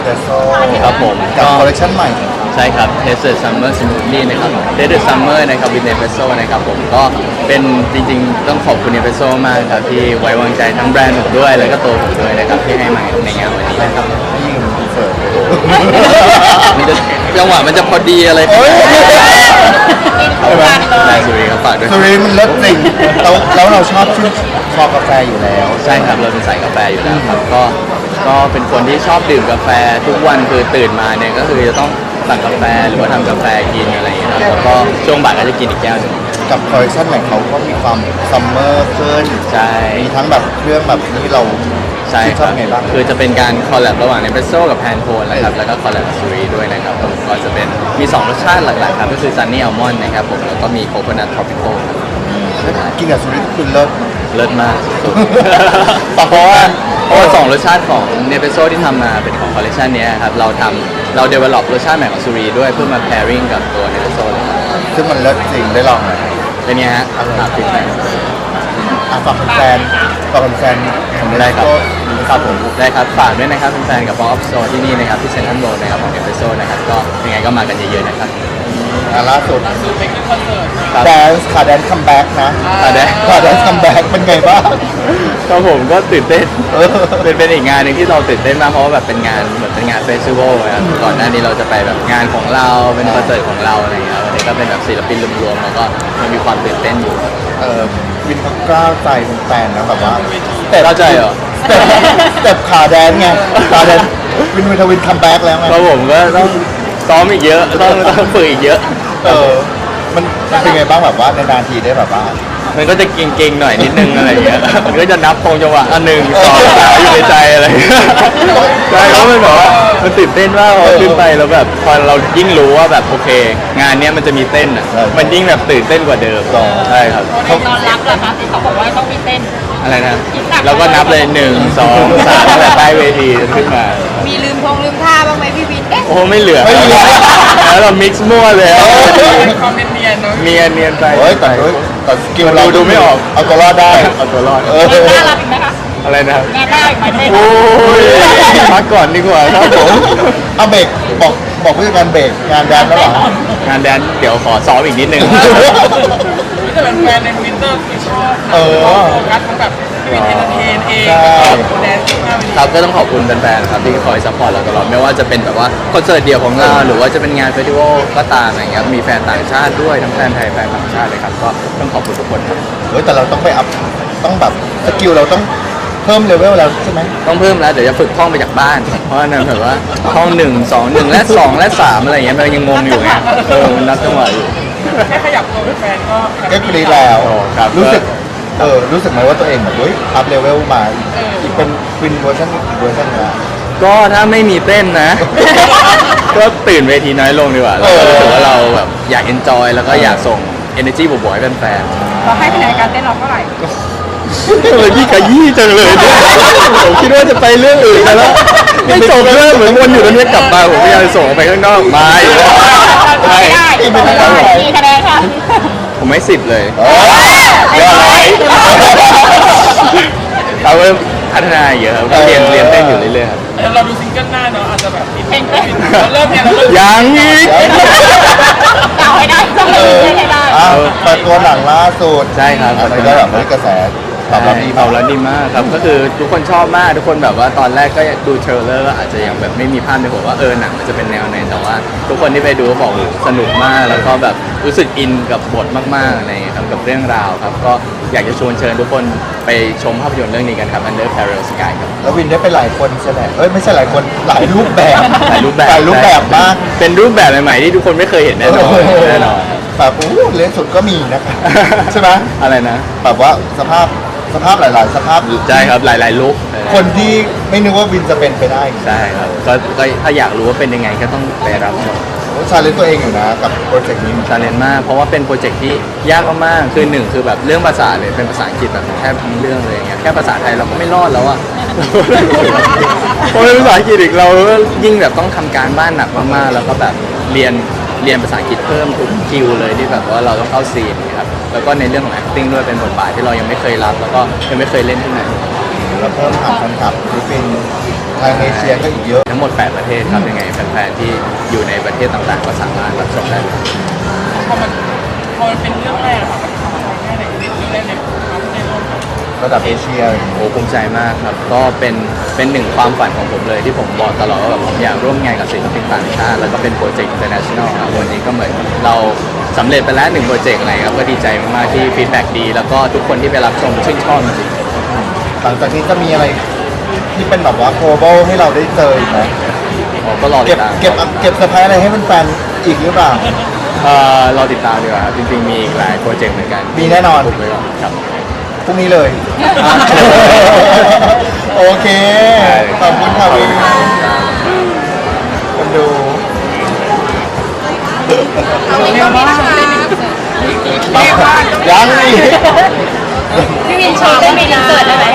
Espresso ครับผมกับคอลเลคชั่นใหม่ใช่ครับ Tasted Summer Smoothie นะครับ Tasted Summer นะครับ with Nespresso นะครับผมก็เป็นจริงๆต้องขอบคุณ Nespresso มากครับที่ไว้วางใจทั้งแบรนด์ผมด้วยแล้วก็ตัวผมด้วยนะครับที่ให้มาในงานวันนี้นะครับที่ยิงเสิร์ฟมันจะจังหวะมันจะพอดีอะไรโอ้ยใช่ไหมนายสุรีครับฝากด้วยสุรินทร์มันเลิศจริงแล้วเราชอบกาแฟอยู่แล้วใช่ครับเราเป็นสายกาแฟอยู่แล้วครับก็เป็นคนที่ชอบดื่มกาแฟทุกวันคือตื่นมาเนี่ยก็คือจะต้องสั่งกาแฟหรือว่าทำกาแฟกินอะไรอย่างเงี้ยครับแล้วก็ช่วงบ่ายก็จะกินอีกแก้วหนึ่งกับคอลเลคชั่นใหม่เขาก็มีความซัมเมอร์ขึ้นใช่มีทั้งแบบเครื่องแบบนี้เราใช่ชคอรับบ ไงบ้างคือจะเป็นการคอลแลบระหว่างเนสเปรสโซ่กับแพนโทนนะครับแล้วก็คอลแลบกับซูรีด้วยนะครับผมก็จะเป็นมี2รสชาติหลักๆครับก็คือซันนี่อัลมอนด์นะครับผมแล้วก็มีโคโคนัททรอปิคอลครับกินกับสุรินทร์คือเลิศเลิศมากสุดๆเพราะว่า2รสชาติของเนสเปรสโซ่ที่ทำมาเป็นของคอลเลคชันนี้ครับเราเดเวลลอปรสชาติใหม่ของซูรีด้วยเพื่อมา pairing กับตัวเนสเปรสโซ่เลยครับซึ่งมันเลิศจริงได้ลองไหมเป็นไงฮะฟีดแบ็กฝากแฟนของได้ครับ Nespresso ครับผมได้ครับฝากด้วยนะครับแฟนๆกับ Pop Up Store ที่นี่นะครับที่เซ็นทรัลโรลนะครับของเนสเปรสโซ่นะครับก็ยังไงก็มากันเยอะๆนะครับล่าสุดครับแดนซ์แดนซ์คัมแบ็กนะแดนแดนซ์คัมแบ็กเป็นไงบ้างครับผมก็ตื่นเต้นเออเป็นอีกงานหนึ่งที่เราตื่นเต้นมากเพราะว่าแบบเป็นงานเหมือนเป็นงานเฟสติวัลนะครับก่อนหน้านี้เราจะไปแบบงานของเราเป็นคอนเสิร์ตของเราอะไรอย่างเงี้ยวันนี้ก็เป็นแบบศิลปินรวมๆแล้วก็มันมีความตื่นเต้นอยู่วินเขากล้าวใจเป็นแฟนนะแบบว่าเข้าใจเหรอสเต็ปขาแดนไงขาแดนวินทวินคัมแบ็กแล้วไงเพราะผมก็ต้องซ้อมอีกเยอะต้องฝึกอีกเยอะมันเป็นไงบ้างแบบว่านานๆทีได้แบบว่ามันก็จะเก่งๆหน่อยนิดนึงอะไรอย่างเงี้ยมันก็จะนับคงจังหวะ1 2 3อยู่ในใจอะไรอย่างเงี้ยใช่เพราะมันแบบว่ามันตื่นเต้นมากพอขึ้นไปแล้วแบบพอเรายิ่งรู้ว่าแบบโอเค งานเนี้ยมันจะมีเต้นอ่ะมันยิ่งแบบตื่นเต้นกว่าเดิมใช่ครับในตอนรับล่ะคะที่เขาบอกว่าต้องมีเต้นอะไรนะเราก็นับเลย1 2 3ตั้งแต่ใต้เวทีขึ้นมามีลืมท่าบ้างไหมพี่วิน เอ๊ะโอ้ไม่เหลือแล้วเรามิกซ์มั่วเลยคอมเมนต์เนียนเนาะเนียนไปโอ้ยแต่สกิลเราดูไม่ออกเอาตัวรอดได้เอาตัวรอดงานหน้ารับอีกไหมคะอะไรนะครับงานหน้าอีกไหมเต้นโอ้ยพักก่อนดีกว่าครับผมเอาเบรกบอกผู้จัดการเบรกงานแดนแล้วเหรองานแดนเดี๋ยวขอซ้อมอีกนิดนึงจะเป็นแฟนในวินเตอร์ที่ชอบเออโฟกัสทั้งแบบวินเอนเตอร์เทนเองใช่แดนซ์มากเลยครับก็ต้องขอบคุณแฟนๆครับที่คอยซัพพอร์ตเราตลอดไม่ว่าจะเป็นแบบว่าคอนเสิร์ตเดี่ยวของเราหรือว่าจะเป็นงานเฟสติวัลก็ตามอะไรเงี้ยมีแฟนต่างชาติด้วยทั้งแฟนไทยแฟนต่างชาติเลยครับก็ต้องขอบคุณทุกคนครับเฮ้ยแต่เราต้องไปอัพต้องแบบสกิลเราต้องเพิ่มเลเวลแล้วใช่ไหมต้องเพิ่มแล้วเดี๋ยวจะฝึกท่องไปจากบ้าน เพราะว่านั่นแบบว่าท่อง1 2 1และ2และ3อะไรเงี้ยมันยังงงอยู่ไงมันนับจังหวะอยู่แค่ขยับตัวเป็นแฟนก็ก็กรีดแล้วโอ้ครับรู้สึกไหมว่าตัวเองแบบเฮ้ยอัพเลเวลมาอีกเป็นวินเวอร์ชันอีกเวอร์ชันนึงละก็ถ้าไม่มีเต้นนะ ก็ตื่นเวทีน้อยลงดีกว่าเราก็รู้สึกว่าเราแบบอยาก enjoy แล้วก็อยากส่ง energy บวกๆให้แฟนเราให้คะแนนการเต้นเราเท่าไหร่ๆทำไมพี่ขยี้จังเลยเนี่ยผมคิดว่าจะไปเรื่องอื่นไปแล้วไม่จบเรื่องเหมือนวนอยู่ตรงนี้กลับมาผมพยายามจะส่งออกไปข้างนอกมาอีกแล้วใช่ไม่ได้กี่คะแนนค่ะผมให้10เลยโอ้ยเรียบร้อยเราก็พัฒนาเยอะครับก็เรียนเต้นอยู่เรื่อยๆครับเราดูซิงเกิลหน้าเนาะอาจจะแบบเพลงเต้นเราเริ่มเนี่ยเราเริ่มยังอีกเอาให้ได้ต้องเล่นให้ได้อ้าวเปิดตัวหนังล่าสุดใช่ครับอะไรก็แบบกระแสตอบรับดีตมาอบกรับดีมากครับก็คือทุกคนชอบมากทุกคนแบบว่าตอนแรกก็ดูเทรลเลอร์ก็อาจจะยังแบบไม่มีภาพในหัวว่าหนังมันจะเป็นแนวไหนแต่ว่าทุกคนที่ไปดูก็บอกสนุกมากแล้วก็แบบรู้สึกอินกับบทมากๆอะไรอย่างเงี้ยครับกับเรื่องราวครับก็อยากจะชวนเชิญทุกคนไปชมภาพยนตร์เรื่องนี้กันครับ Under Parallel Sky ครับแล้ววินได้ไปหลายคนใช่ไหมไม่ใช่หลายคนหลายรูปแบบหลายรูปแบบหลายรูปแบบมากเป็นรูปแบบใหม่ๆที่ทุกคนไม่เคยเห็นแน่นอนแน่นอนแบบเลนสุดก็มีนะครับใช่ไหมอะไรนะแบบว่าสภาพหลายๆสภาพใช่ครับหลายๆลุคคนที่ไม่นึกว่าวินจะเป็นไปได้ใช่ครับก็ถ้าอยากรู้ว่าเป็นยังไงก็ต้องไปรับชมชาเลนตัวเองอยู่นะกับโปรเจกต์นี้ชาเลนจ์มากเพราะว่าเป็นโปรเจกต์ที่ยากมากๆคือหนึ่งคือแบบเรื่องภาษาเลยเป็นภาษาอังกฤษแบบแทบทั้งเรื่องเลยอย่างเงี้ยแค่ภาษาไทยเราก็ไม่รอดแล้วอะพอเป็นภาษาอังกฤษอีกเราก็ยิ่งแบบต้องทำการบ้านหนักมากๆแล้วก็แบบเรียนภาษาอังกฤษเพิ่มทุกคิวเลยที่แบบว่าเราต้องเข้าซีนนะครับแล้วก็ในเรื่องของ acting ด้วยเป็นบทบาทที่เรายังไม่เคยรับแล้วก็ยังไม่เคยเล่นที่ไหนแล้วเพิ่มฐานแฟนคลับฟิลิปปินส์ทางเอเชียก็อีกเยอะทั้งหมด 8 ประเทศครับยังไงแฟนๆที่อยู่ในประเทศต่างๆ ก็สามารถรับชมได้เลยพอมันเป็นเรื่องแรกอะค่ะมันทำอะไรแค่ไหนเรื่องแรกในโลกระดับเอเชียโอ้ภูมิใจมากครับก็เป็นหนึ่งความฝันของผมเลยที่ผมบอกตลอดว่าแบบผมอยากร่วมงานกับศิลปินต่างชาติแล้วก็เป็นโปรเจกต์ international ครับวันนี้ก็เหมือนเราสำเร็จไปแล้ว1 โปรเจกต์อะไรครับก็ดีใจมากๆที่ฟีดแบ็กดีแล้วก็ทุกคนที่ไปรับชมชื่นชอบจริงหลังจากนี้จะมีอะไรที่เป็นแบบว่า global ให้เราได้เจออีกไหมๆผมก็รอติเก็บดตามเก็บเซอร์ไพรส์อะไรให้แฟนๆอีกหรือเปล่ารอติดตามดีกว่าครับจริงๆมีอีกหลายโปรเจกต์เหมือนกันมีแน่นอนอุบไว้ก่อนครับพรุ่งนี้เลย โอเค ขอบคุณค่ะวินคนดูเอาเรียกว่ายังอีกพี่วินโชว์ได้มีอินเสิร์ตได้ไหม